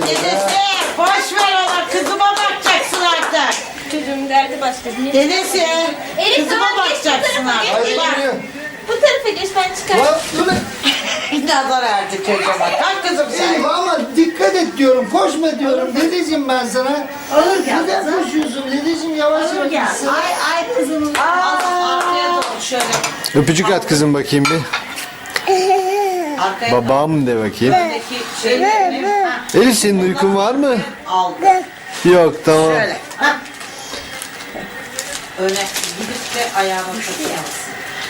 Dedesi boş ver ona, kızıma bakacaksın artık. Çocuğun derdi başka. Dedesi Elif kızıma tamam, geç bu bakacaksın tarafa, artık. geç. Bak. Bu tarafa geç, ben çıkarım. Lan dur lan. Nazar erdi çocuğa bak. Kalk kızım sen. Elif ama dikkat et diyorum. Koşma diyorum. Dedeciğim ben sana. Olur gel Neden kızım. koşuyorsun? Dedeciğim yavaş Olur yavaş. gel. gitsin. Ay kızım. Arkaya doğru şöyle. Öpücük at kızım bakayım bir. Arkaya Babam de bakayım. Buradaki şeyleri ha, Elif senin uykun var mı? aldı. Yok tamam. Şöyle. Ha. Öne gidip de ayağına takıyorsun.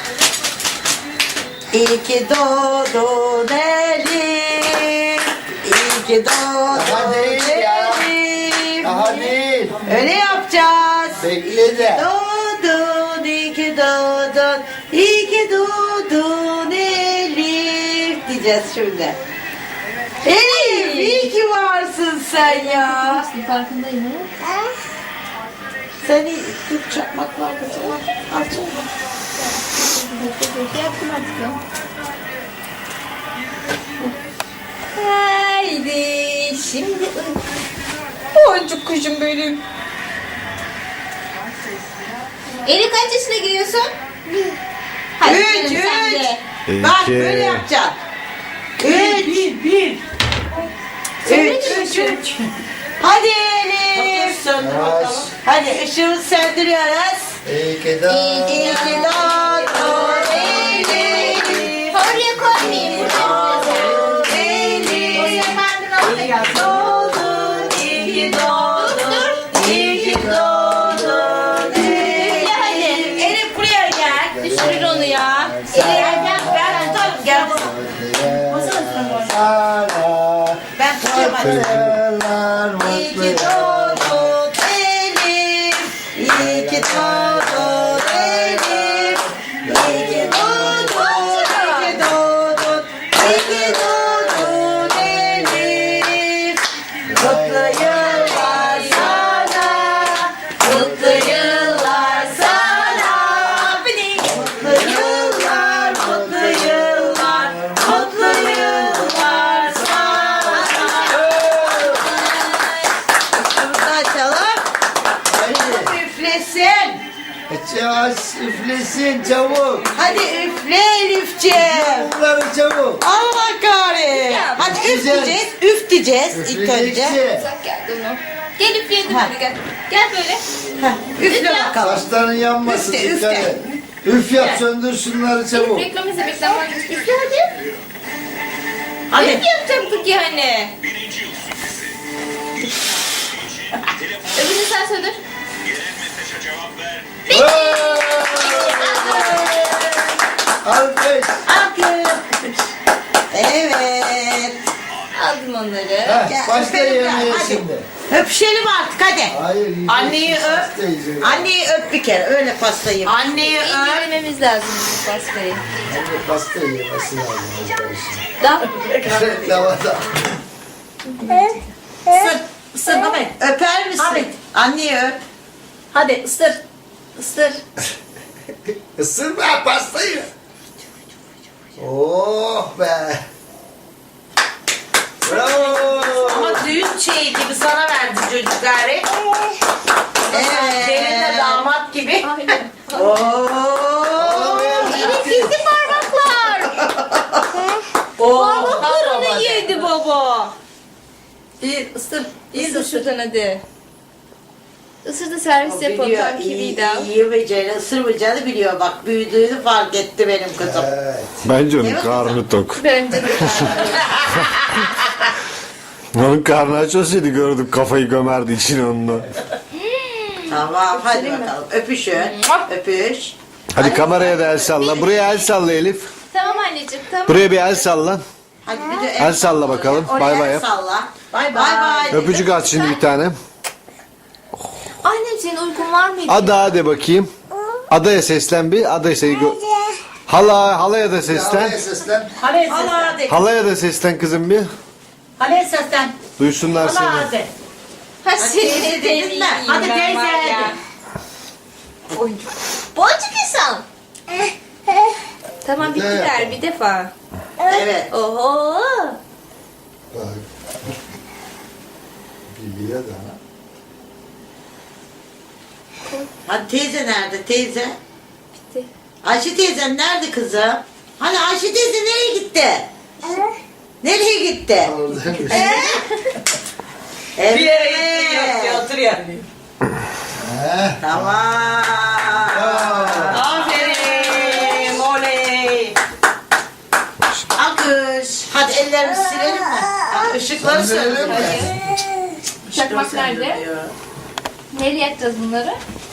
İyi ki doğdun Elif. İyi ki Daha doğdun değil ya. Elif. Daha değil. Öyle yapacağız. Bekle de. Doğdun, iyi ki doğdun, iyi ki doğdun Elif diyeceğiz şimdi. Elif, iyi ki varsın sen ya. Farkındayım ha. Seni Türk çakmak var kızım. Al canım. Yaptım artık ya. Haydi şimdi boncuk kuşum benim. Elif kaç yaşına giriyorsun? Hadi Üç, canım, sen üç. de. Bak İki. böyle yapacaksın. Üç. Üç. Hadi Elif. Yavaş. Hadi ışığı söndürüyoruz. İyi ki doğdun. İyi ki doğdun Elif. Oraya koymayayım. Doğdun Elif. İyi ki doğdun, iyi ki doğdun, iyi ki doğdun Elif. Hadi. Elif buraya gel. Düşürür onu ya. Elif ben tutarım gel. Sana. Ben tutuyorum hadi. Yıllar İyi ki mutlu. doğdun Elif. İyi ki doğdun Elif. İyi ki doğdun, iyi ki doğdun, iyi ki doğdun Elif. Mutlu yıllar sana, mutlu yıllar sana. Mutlu yıllar, mutlu yıllar, mutlu yıllar sana. Şunu da açalım. Haydi. Üflesin. Yavaş üflesin çabuk. Hadi üfle Elifciğim. Bunları çabuk. Allah kahretsin. Hadi üf Üfleyeceğiz. diyeceğiz. Üf diyeceğiz ilk önce. Üfleyeceksin. Uzak geldi onu. Gel üfleyelim Ha. hadi gel. Gel böyle. Heh, üfle bakalım. Saçların yanmasın. Üfle, dikkat üfle. et. Üf yap söndür şunları çabuk. Reklam izle reklam var. Üfle hadi. Hadi. Üf yapacaktık yani. Öbürünü sen söndür. Alkış. Alkış. Evet. Aldım onları. Heh, Gel, başla öpelim yemeğe gel, hadi. şimdi. Öpüşelim artık hadi. Hayır. yiyeceksin, Anneyi öp. pasta yiyeceksin. Anneyi öp bir kere öyle pastayı. Anneyi İyi öp. görmemiz lazım bu pastayı. Anne pasta yemesi lazım arkadaşım. Da. Reklamada. Isır. Isır Ahmet. Öper misin? Ahmet. Anneyi öp. Hadi ısır. Isır. Isırma pastayı. Oh be. Bravo. Ama düğün şeyi gibi sana verdi çocuk gari. Evet. Gelin damat gibi. Aynen. Oo. Elif gitti parmaklar. Parmaklarını yedi baba. İyi ısır. Isır şuradan hadi. Isır da servis yapalım. Biliyor, Tam kibiydi. yiyemeyeceğini, ısırmayacağını biliyor. Bak büyüdüğünü fark etti benim kızım. Evet. Bence onun Evet. karnı tok. Bence de. Onun karnı aç olsaydı gördük kafayı gömerdi için onunla. Tamam hadi bakalım. Öpüşün. Öpüş. Hadi kameraya da el salla. Buraya el salla Elif. Tamam anneciğim tamam. Buraya bir el salla. Hadi bir de El salla bakalım. Oraya Bay bay el yap. salla. Bay bay. Öpücük at şimdi bir tane. Annem senin uykun var mıydı? Ada de bakayım. Adaya seslen bir. Adaya seni halaya da seslen. Havaya seslen. Hadi hadi. Halaya da seslen kızım bir. Hadi seslen. Duysunlar seni. Hadi. Ha teyze senin dedin mi? Hadi teyze hadi. Boncuk. Boncuk insan. Tamam Bir daha bittiler yapalım. bir defa. Evet. Oho. Bak. Biliyor da. Hadi teyze nerede teyze? Bitti. Ayşe teyzen nerede kızım? Hani Ayşe teyze nereye gitti? Nereye gitti? Oradaymış. Evet. Bir yere gitti yok oturuyor. Heh. Tamam. Aferin. Oley. Alkış. Hadi ellerimizi silelim mi? Hadi ışıkları Sen verelim söndürelim. mi? Çakmak nerede? Nereye atacağız bunları?